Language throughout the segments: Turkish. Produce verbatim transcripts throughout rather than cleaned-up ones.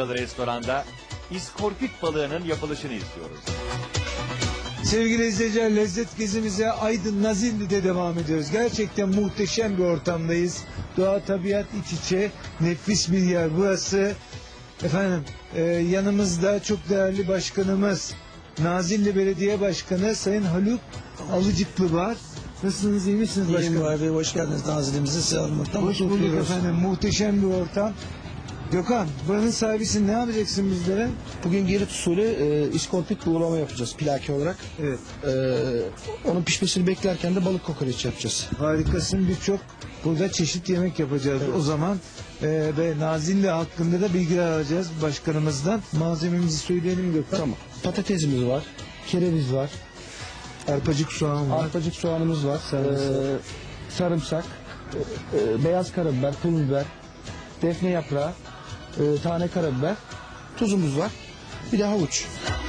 restoranda iskorpit balığının yapılışını istiyoruz. Sevgili izleyiciler, lezzet gezimize Aydın Nazilli'de devam ediyoruz. Gerçekten muhteşem bir ortamdayız. Doğa, tabiat iç içe, nefis bir yer burası. Efendim e, yanımızda çok değerli başkanımız, Nazilli Belediye Başkanı Sayın Haluk Alıcıklı var. Nasılsınız, iyi misiniz başkanım? İyiyim abi, hoş geldiniz Nazilli'mize. Size almaktan Hoş bulduk efendim, muhteşem bir ortam. Gökhan, buranın sahibisin, ne yapacaksın bizlere? Bugün Girit usulü e, iskorpit buğulama yapacağız plaki olarak. Evet. E, onun pişmesini beklerken de balık kokoreç yapacağız. Harikasın, birçok burada çeşit yemek yapacağız. Evet. O zaman e, ve Nazilli hakkında da bilgiler alacağız başkanımızdan. Malzememizi söyleyelim Gökhan. Tamam. Patatesimiz var, kereviz var, Arpacık soğan var. arpacık soğanımız var, Sarımsak. e, sarımsak, e, e, beyaz karabiber, pul biber, defne yaprağı, e, tane karabiber, tuzumuz var, bir de havuç.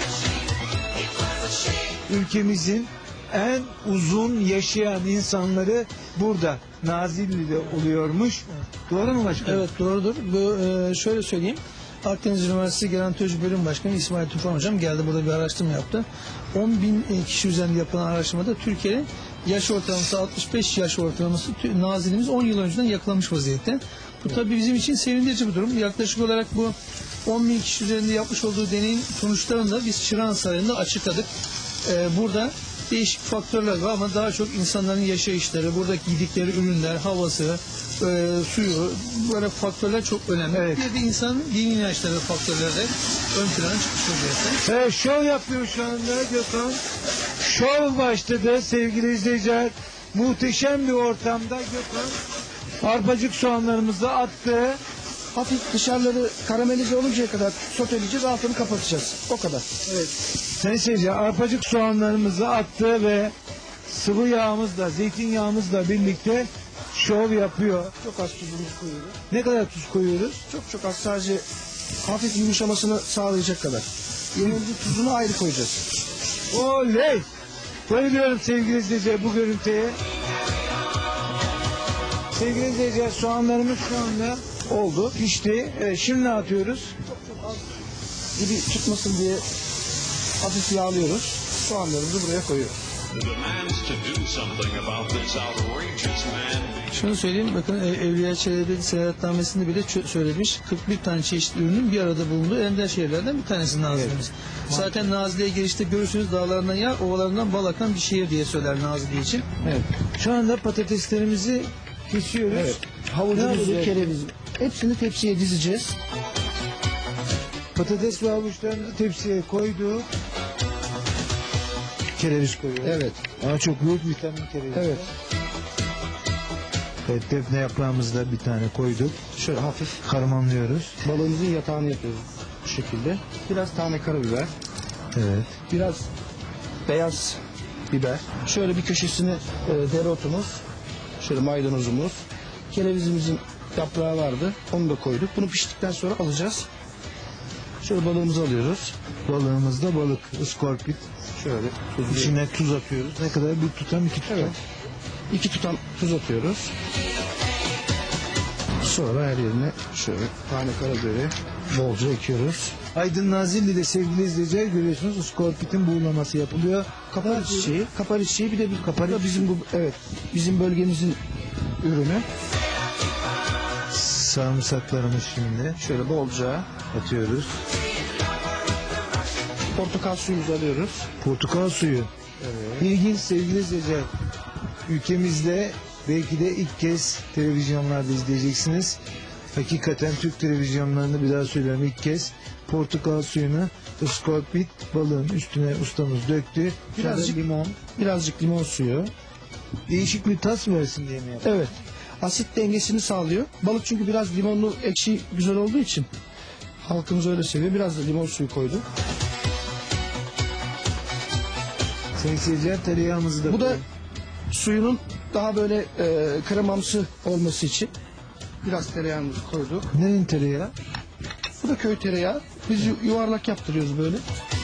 Ülkemizin en uzun yaşayan insanları burada Nazilli'de oluyormuş. Doğru mu başkanım? Evet, doğrudur. Bu, e, şöyle söyleyeyim. Akdeniz Üniversitesi Gerontoloji Bölüm Başkanı İsmail Tufan Hocam geldi, burada bir araştırma yaptı. on bin kişi üzerinde yapılan araştırmada Türkiye'nin yaş ortalaması altmış beş yaş ortalaması, Nazilli'miz on yıl önceden yakalamış vaziyette. Bu tabii bizim için sevindirici bir durum. Yaklaşık olarak bu on bin kişi üzerinde yapmış olduğu deneyin sonuçlarını da biz Çırağan Sarayı'nda açıkladık. Ee, burada değişik faktörler var ama daha çok insanların yaşayışları, buradaki yedikleri ürünler, havası, e, suyu, böyle faktörler çok önemli. Evet. Bir de insanın dini inançları faktörleri de ön plana çıkmış vaziyette. Evet, şov yapıyor şu anda Gökhan. Şov başladı sevgili izleyiciler. Muhteşem bir ortamda Gökhan arpacık soğanlarımızı attı. Hafif dışarıları karamelize oluncaya kadar soteleyeceğiz, altını kapatacağız. O kadar. Evet. Sayın seyirciler, arpacık soğanlarımızı attı ve sıvı yağımızla, zeytinyağımızla birlikte şov yapıyor. Çok az tuzumuzu koyuyoruz. Ne kadar tuz koyuyoruz? Çok çok az, sadece hafif yumuşamasını sağlayacak kadar. Yemeğimizin tuzunu ayrı koyacağız. Oley! Bayılıyorum sevgili izleyiciler bu görüntüye. Sevgili izleyiciler, soğanlarımız şu anda oldu, pişti. Evet, şimdi ne atıyoruz? Gibi tutmasın diye hafif yağlıyoruz. Soğanlarımızı buraya koyuyoruz. Şunu söyleyeyim, bakın Evliya Çelebi seyahatnamesinde bile söylemiş, kırk bir tane çeşitli ürünün bir arada bulunduğu ender şehirlerden bir tanesi Nazilli'miz. Evet. Zaten Nazilli'ye girişte görürsünüz, dağlarından yağ, ovalarından bal akan bir şehir diye söyler Nazilli için. Evet. Şu anda patateslerimizi kesiyoruz. Evet. Havucumuzu, kereviz, hepsini tepsiye dizeceğiz. Patates ve havuçlarımızı tepsiye koyduk. Kereviz koyuyoruz. Evet. Ama çok büyük vitamin kereviz. Evet. Evet, defne yaprağımızı da bir tane koyduk. Şöyle hafif Karmanlıyoruz. balığımızın yatağını yapıyoruz bu şekilde. Biraz tane karabiber, Evet. biraz beyaz biber. Şöyle bir köşesine e, dereotumuz, şöyle maydanozumuz, kerevizimizin yaprağı vardı. Onu da koyduk. Bunu piştikten sonra alacağız. Şöyle balığımızı alıyoruz. Balığımızda balık, iskorpit. Şöyle tuzlu. İçine tuz atıyoruz. Ne kadar? Bir tutam, iki tutam. Evet. İki tutam tuz atıyoruz. Sonra her yerine şöyle tane karabiberi bolca ekiyoruz. Aydın Nazilli'de sevgili izleyiciler görüyorsunuz, iskorpitin buğulaması yapılıyor. Kapari çiçeği, kapari çiçeği bir de bir kapari da bizim bu, evet, bizim bölgemizin ürünü. Sarımsaklarımız şimdi Şöyle bolca atıyoruz. portakal suyumuzu alıyoruz. Portakal suyu. Evet. İlginç sevgili izleyiciler. Ülkemizde belki de ilk kez televizyonlarda izleyeceksiniz. Hakikaten Türk televizyonlarında, bir daha söylüyorum, ilk kez portakal suyunu iskorpit balığın üstüne ustamız döktü. Birazcık Birazcık limon. Birazcık limon suyu. Değişik bir tat versin diye mi yaptı? Evet. Asit dengesini sağlıyor. Balık çünkü biraz limonlu, ekşi güzel olduğu için halkımız öyle seviyor. Biraz da limon suyu koyduk. Sayın seyirciler, tereyağımızı da Bu da koyun. suyunun daha böyle e, kremamsı olması için biraz tereyağımızı koyduk. Neyin tereyağı? Bu da köy tereyağı. Biz yu- yuvarlak yaptırıyoruz böyle.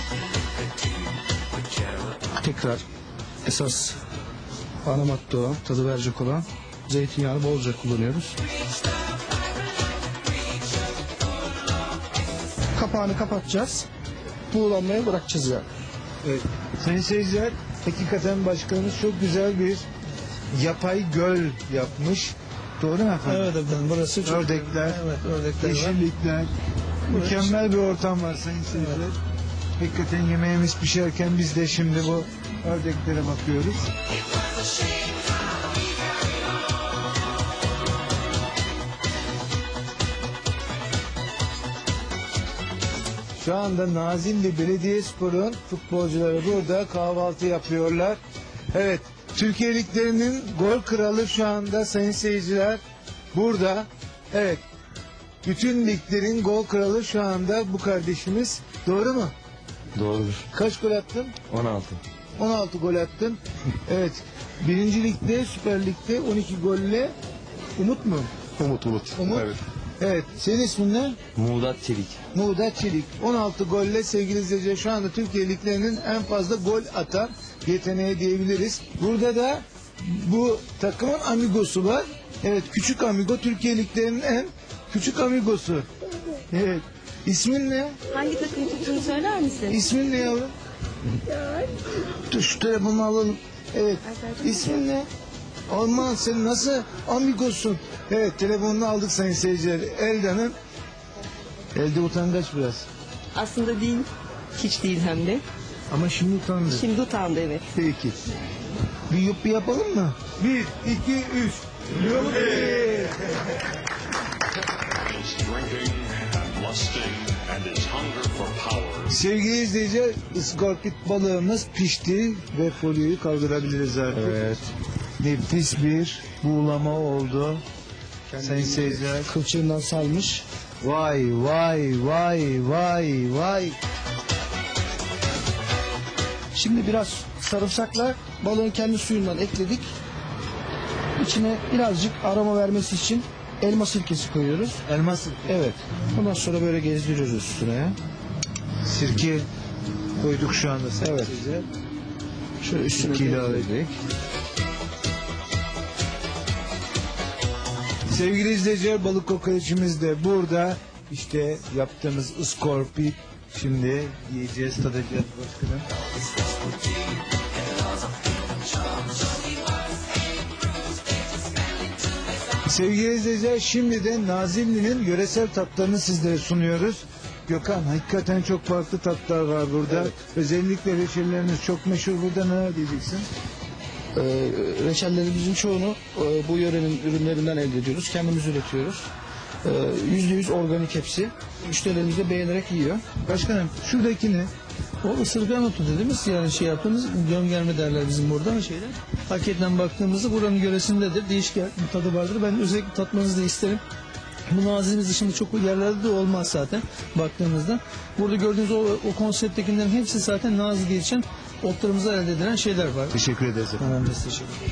Tekrar esas ana madde olan, tadı verecek olan zeytinyağını bolca kullanıyoruz. Kapağını kapatacağız. Buğulanmaya bırakacağız yani. Evet. Sayın seyirciler, hakikaten başkanımız çok güzel bir yapay göl yapmış. Doğru mu efendim? Evet efendim, burası çok... Ördekler, Evet, ördekler var. yeşillikler. Mükemmel bir ortam var sayın seyirciler. Hakikaten yemeğimiz pişerken biz de şimdi bu ördeklere bakıyoruz. Şu anda Nazilli Belediyespor'un futbolcuları burada kahvaltı yapıyorlar. Evet, Türkiye Liglerinin gol kralı şu anda sayın seyirciler burada. Evet, bütün liglerin gol kralı şu anda bu kardeşimiz. Doğru mu? Doğrudur. Kaç gol attın? on altı. on altı gol attın. Evet, birinci ligde, Süper Lig'de on iki golle Umut mu? Umut Umut. Umut. Evet. Evet, senin ismin ne? Muğdat Çelik. Muğdat Çelik. on altı golle sevgili izleyiciler şu anda Türkiye liglerinin en fazla gol atan yeteneği diyebiliriz. Burada da bu takımın amigosu var. Evet, küçük amigo, Türkiye liglerinin en küçük amigosu. Evet. İsmin ne? Hangi takım tuttuğunu söyler misin? İsmin ne yavrum? Dur şu telefonu alalım. Evet. İsmin ne? Aman sen nasıl amigosun? Evet, telefonunu aldık sayın seyirciler. Elda'nın elde utangaç biraz. Aslında değil. Hiç değil hem de. Ama şimdi utandı. Şimdi utandı, evet. Peki. Bir yuppi yapalım mı? Bir, iki, üç. Yuppi! His drinking and lusting and his hunger for power. Sevgili izleyiciler, ıskorpit balığımız pişti ve folyoyu kaldırabiliriz artık. Evet. Nefis bir buğulama oldu. Sayın seyirciler. Kılçığından salmış. Vay vay vay vay vay. Şimdi biraz sarımsakla balığın kendi suyundan ekledik. İçine birazcık aroma vermesi için elma sirkesi koyuyoruz. Elma sirke. Evet. Ondan sonra böyle gezdiriyoruz üstüne. Sirke koyduk şu anda sayın Evet. seyirciler. Şöyle üstüne İki ilave gezdirdik. Sevgili izleyiciler, balık kokoreçimiz de burada. İşte yaptığımız ıskorpit. Şimdi yiyeceğiz, tadacağız başkanım. Sevgili izleyiciler, şimdi de Nazilli'nin yöresel tatlarını sizlere sunuyoruz. Gökhan, hakikaten çok farklı tatlar var burada. Özellikle reçelleriniz çok meşhur. Burada ne diyeceksin? Ee, reçellerimizin çoğunu e, bu yörenin ürünlerinden elde ediyoruz. Kendimiz üretiyoruz. Ee, Yüzde yüz organik hepsi. Müşterilerimiz de beğenerek yiyor. Başkanım, şuradaki ne? O ısırgan otu dediğimiz yani şey yaptığımız gömgerme derler bizim burada şeyler. Hakikaten baktığımızda buranın yöresindedir. Değişik bir tadı vardır. Ben özellikle tatmanızı da isterim. Bu nazilimiz dışında çok yerlerde de olmaz zaten baktığımızda. Burada gördüğünüz o, o konsepttekilerin hepsi zaten nazil diye geçen otlarımızda elde edilen şeyler var. Teşekkür ederiz efendim. Hemen biz teşekkür ederiz.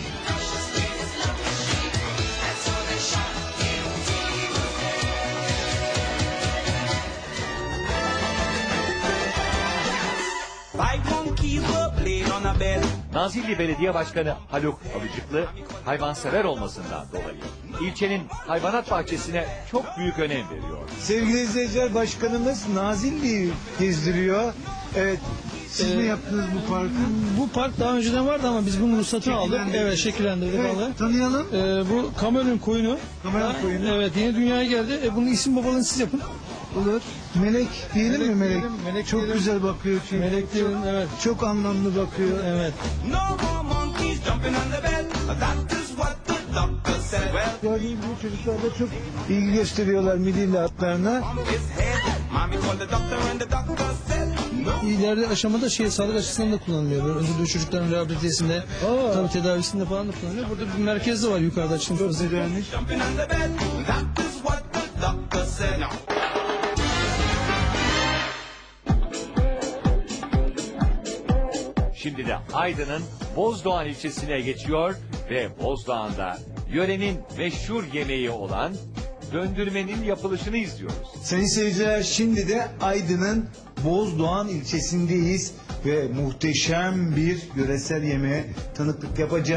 Five monkeys were playing on a bed. Nazilli Belediye Başkanı Haluk Alıcıklı hayvansever olmasından dolayı ilçenin hayvanat bahçesine çok büyük önem veriyor. Sevgili izleyiciler, başkanımız Nazilli'yi gezdiriyor. Evet, siz mi yaptınız bu parkı? Bu park daha önceden vardı ama biz bunun ruhsatını aldık. Şekillendirdik. Evet, şekillendirdik Evet, vallahi. tanıyalım. Ee, bu Kamerun koyunu. Kamerun koyunu. Evet, yeni dünyaya geldi. E, bunun isim babalığını siz yapın. Olur. Melek diyelim mi Melek Melek? diyelim, Melek çok diyelim. güzel bakıyor çünkü. Melek diyelim, evet. Çok anlamlı bakıyor. Evet. No more monkeys jumping on the bed. That is what the doctor said. Well, Gördüğünüz gibi çocuklar da çok ilgi gösteriyorlar midilli atlarına. on his head. Mommy called the doctor and the doctor said, no. İleride aşamada şey sağlık açısından da kullanılıyor. Böyle öldürdüğü çocukların rehabilitesinde, Aa. tabii tedavisinde falan da kullanılıyor. Burada bir merkez de var yukarıda açılmış. Çok vaziyette. güzelmiş. Jumping on the bed. That is what the doctor said. No. Şimdi de Aydın'ın Bozdoğan ilçesine geçiyor ve Bozdoğan'da yörenin meşhur yemeği olan döndürmenin yapılışını izliyoruz. Sayın seyirciler, şimdi de Aydın'ın Bozdoğan ilçesindeyiz ve muhteşem bir yöresel yemeğe tanıklık yapacağız.